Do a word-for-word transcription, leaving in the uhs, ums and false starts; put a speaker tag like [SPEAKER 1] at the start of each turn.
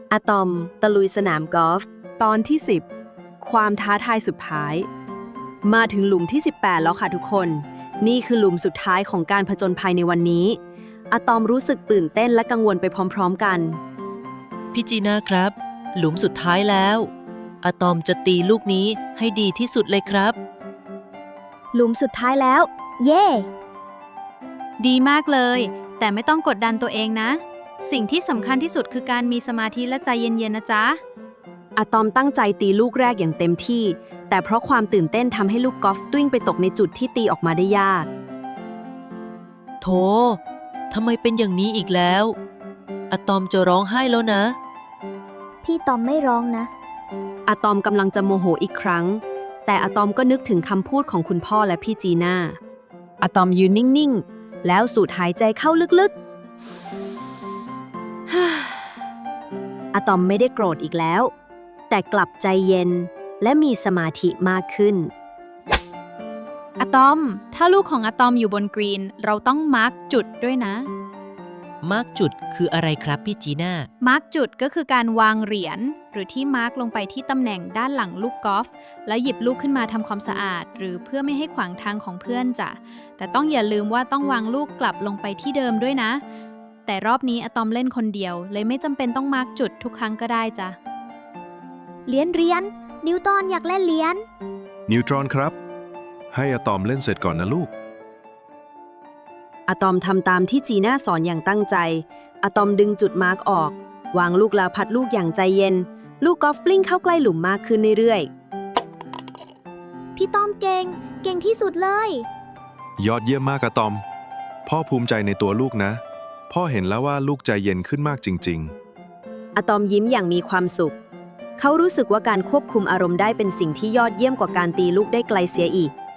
[SPEAKER 1] อะตอมตะลุยสนามกอล์ฟ
[SPEAKER 2] ตอนที่สิบความท้าทายสุดท้าย มาถึงหลุมที่สิบแปดแล้วค่ะทุกคน นี่คือหลุมสุดท้ายของการผจญภัยในวันนี้อะตอมรู้สึกตื่นเต้นและกังวลไปพร้อมๆกัน
[SPEAKER 3] พี่จีน่าครับ หลุมสุดท้ายแล้วอะตอมจะตีลูกนี้ให้ดีที่สุดเลยครับ
[SPEAKER 1] หลุมสุดท้ายแล้ว เย่
[SPEAKER 4] ดีมากเลย แต่ไม่ต้องกดดันตัวเองนะ สิ่งที่สำคัญที่สุดคือการมีสมาธิและใจเย็นๆนะจ๊ะ
[SPEAKER 2] อะตอมตั้งใจตีลูกแรกอย่างเต็มที่ แต่เพราะความตื่นเต้นทำให้ลูกกอล์ฟตุ้งไปตกในจุดที่ตีออกมาได้ยาก
[SPEAKER 3] โธ่ทำไมเป็นอย่างนี้อีกแล้วอะตอมจะร้องไห้แล้วนะ
[SPEAKER 1] พี่ตอมไม่ร้องนะ
[SPEAKER 2] อะตอมกำลังจะโมโหอีกครั้ง แต่อะตอมก็นึกถึงคำพูดของคุณพ่อและพี่จีน่าอะตอมยืนนิ่งๆ แล้วสูดหายใจเข้าลึกๆ อะตอมไม่ได้โกรธอีกแล้ว แต่กลับใจเย็นและมีสมาธิมากขึ้น
[SPEAKER 4] อะตอม ถ้าลูกของอะตอมอยู่บนกรีน เราต้องมาร์กจุดด้วยนะ
[SPEAKER 3] มาร์กจุดคืออะไรครับพี่จีน่า
[SPEAKER 4] มาร์กจุดก็คือการวางเหรียญหรือที่มาร์กลงไปที่ตำแหน่งด้านหลังลูกกอล์ฟแล้วหยิบลูกขึ้นมาทำความสะอาด หรือเพื่อไม่ให้ขวางทางของเพื่อนจ้ะ แต่ต้องอย่าลืมว่าต้องวางลูกกลับลงไปที่เดิมด้วยนะ แต่รอบนี้อะตอมเล่นคนเดียว เลยไม่จำเป็นต้องมาร์กจุดทุกครั้งก็ได้จ้ะ
[SPEAKER 1] เหรียญเหรียญนิวตันอยากเล่นเหรียญ
[SPEAKER 5] นิวตรอนครับ ให้อะตอมเล่นเสร็จก่อนนะลูก
[SPEAKER 2] อะตอมทำตามที่จีน่าสอนอย่างตั้งใจ อะตอมดึงจุดมาร์กออก วางลูกแล้วพัดลูกอย่างใจเย็น ลูกกอล์ฟกลิ้งเข้าใกล้หลุมมากขึ้นเรื่อย
[SPEAKER 1] พี่ตอมเก่ง เก่งที่สุดเลย
[SPEAKER 5] ยอดเยี่ยมมากอะตอม พ่อภูมิใจในตัวลูกนะ พ่อเห็นแล้วว่าลูกใจเย็นขึ้นมากจริง
[SPEAKER 2] ๆ อะตอมยิ้มอย่างมีความสุข เขารู้สึกว่าการควบคุมอารมณ์ได้เป็นสิ่งที่ยอดเยี่ยมกว่าการตีลูกได้ไกลเสียอีก